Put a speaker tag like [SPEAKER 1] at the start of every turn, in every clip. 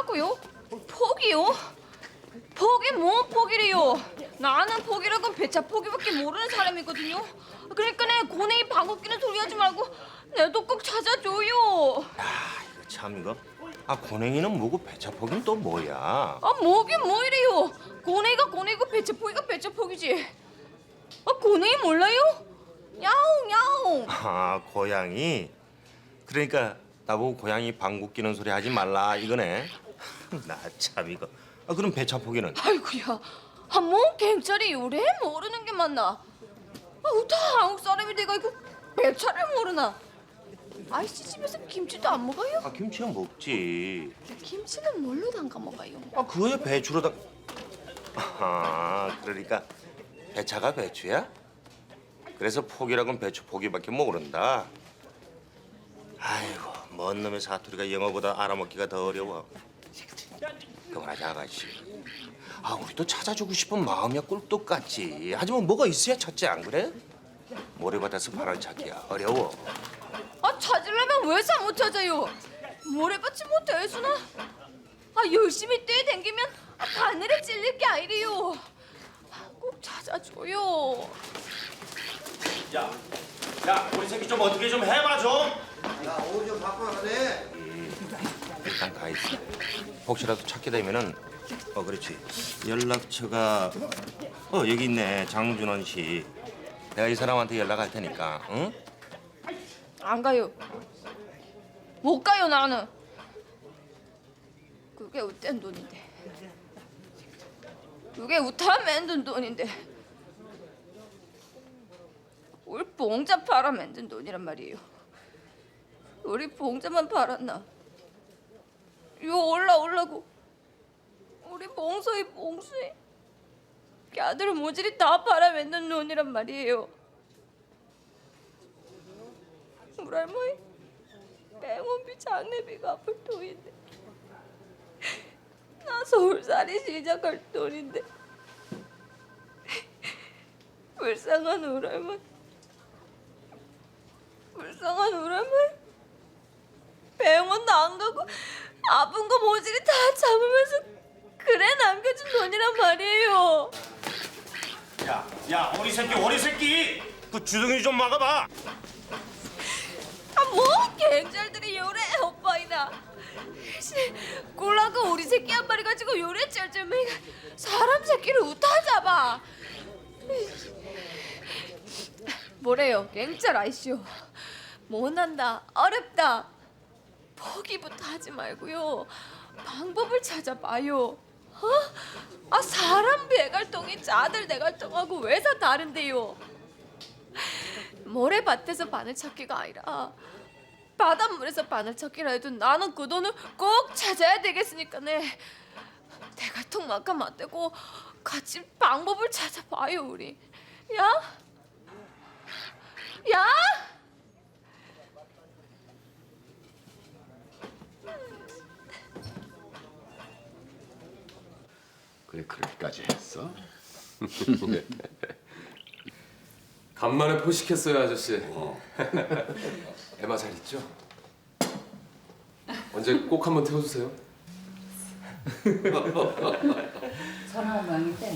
[SPEAKER 1] 뭐라고요? 포기요? 포기 뭐 포기래요? 나는 포기라고 배차 포기밖에 모르는 사람이거든요. 그러니까 내 고뇌이 방귀 뀌는 소리 하지 말고 내 도 꼭 찾아줘요.
[SPEAKER 2] 이거 참 이거. 고냉이는 뭐고 배차포기는 또 뭐야?
[SPEAKER 1] 뭐긴 뭐 이래요? 고뇌이가 고뇌이고 배차 포기가 배차 포기지. 고뇌이 몰라요? 야옹 야옹.
[SPEAKER 2] 고양이. 그러니까 나보고 고양이 방귀 뀌는 소리 하지 말라 이거네. 나 참 이거. 그럼 배차포기는?
[SPEAKER 1] 아이고야. 뭐 경찰이 요래 모르는 게 맞나? 어따 한국 사람이 내가 이거 배차를 모르나? 아이씨 집에서 김치도 안 먹어요?
[SPEAKER 2] 김치는 먹지.
[SPEAKER 1] 김치는 뭘로 담가 먹어요?
[SPEAKER 2] 그거야 배추로다. 그러니까 배차가 배추야? 그래서 포기라고는 배추 포기밖에 모른다. 아이고 먼 놈의 사투리가 영어보다 알아먹기가 더 어려워. 그만하자 아가씨. 우리도 찾아주고 싶은 마음이야 꿀떡 같지. 하지만 뭐가 있어야 찾지 안 그래? 모래밭에서 바람 찾기야 어려워.
[SPEAKER 1] 찾으려면 왜 사 못 찾아요? 모래밭이 뭐 대수나? 열심히 뛰어댕기면 바늘에 찔릴 게 아니래요. 꼭 찾아줘요.
[SPEAKER 2] 야, 우리 새끼 좀 어떻게 좀 해봐 좀.
[SPEAKER 3] 야, 옷 좀 바꿔가네.
[SPEAKER 2] 일단 가 있어. 혹시라도 찾게 되면은 그렇지. 연락처가 여기 있네. 장준원 씨. 내가 이 사람한테 연락할 테니까. 응?
[SPEAKER 1] 안 가요. 못 가요 나는. 그게 웃된 돈인데. 그게 웃다 만든 돈인데. 우리 봉자 팔아 만든 돈이란 말이에요. 우리 봉자만 팔았나? 요 올라오려고 우리 봉소희 걔들 모질이 다 팔아 만든 돈이란 말이에요. 우리 할머니 병원비 장례비 갚을 돈인데 나 서울살이 시작할 돈인데 불쌍한 우리 할머니 병원도 안 가고 아픈 거 모질이 다 참으면서 그래 남겨준 돈이란 말이에요.
[SPEAKER 2] 야, 오리 새끼. 그 주둥이 좀 막아봐.
[SPEAKER 1] 뭐 갱잘들이 요래 오빠이나 꼴라가 우리 새끼 한 마리 가지고 요래 쩔쩔매가 사람 새끼를 우타 잡아. 뭐래요 갱잘 아이쇼. 못난다 어렵다 포기부터 하지 말고요 방법을 찾아봐요. 사람 배갈통이 짜들 내갈통하고 왜사 다른데요? 모래밭에서 바늘 찾기가 아니라 바닷물에서 바늘 찾기라 해도 나는 그 돈을 꼭 찾아야 되겠으니까네. 대갈통만큼 안 되고 같이 방법을 찾아봐요 우리. 야?
[SPEAKER 4] 그래 그렇게까지 했어?
[SPEAKER 5] 간만에 포식했어요 아저씨. 에마 잘 있죠? 언제 꼭 한번 태워주세요.
[SPEAKER 6] 전화 온 모양인데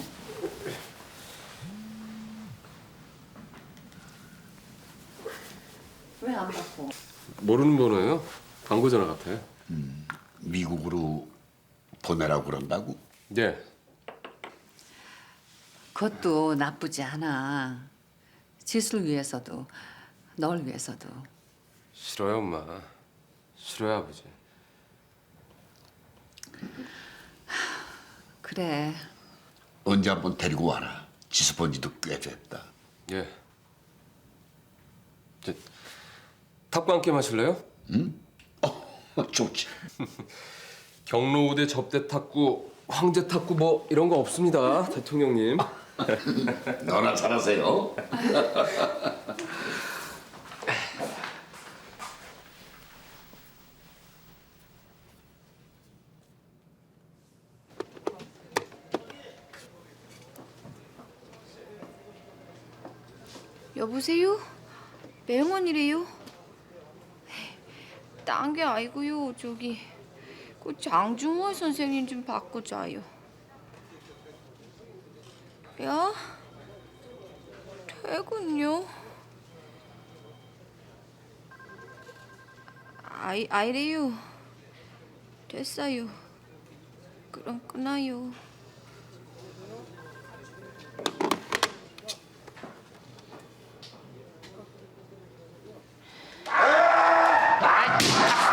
[SPEAKER 6] 왜 안 받고?
[SPEAKER 5] 모르는 번호예요? 광고 전화 같아요.
[SPEAKER 4] 미국으로 보내라고 그런다고?
[SPEAKER 5] 예.
[SPEAKER 6] 그것도 나쁘지 않아. 지수를 위해서도 널 위해서도.
[SPEAKER 5] 싫어요 엄마. 싫어요 아버지.
[SPEAKER 6] 그래.
[SPEAKER 4] 언제 한번 데리고 와라. 지수 본 지도 꽤 됐다.
[SPEAKER 5] 예. 탁구 한 게임 하실래요?
[SPEAKER 4] 좋지.
[SPEAKER 5] 경로우대 접대 탁구, 황제 탁구 뭐 이런 거 없습니다 대통령님.
[SPEAKER 4] 너나 잘하세요.
[SPEAKER 1] 여보세요? 맹원이래요? 딴 게 아니고요 저기 그 장중호 선생님 좀 바꾸자요. 야, 퇴근요? 아이래요. 됐어요. 그럼 끊어요.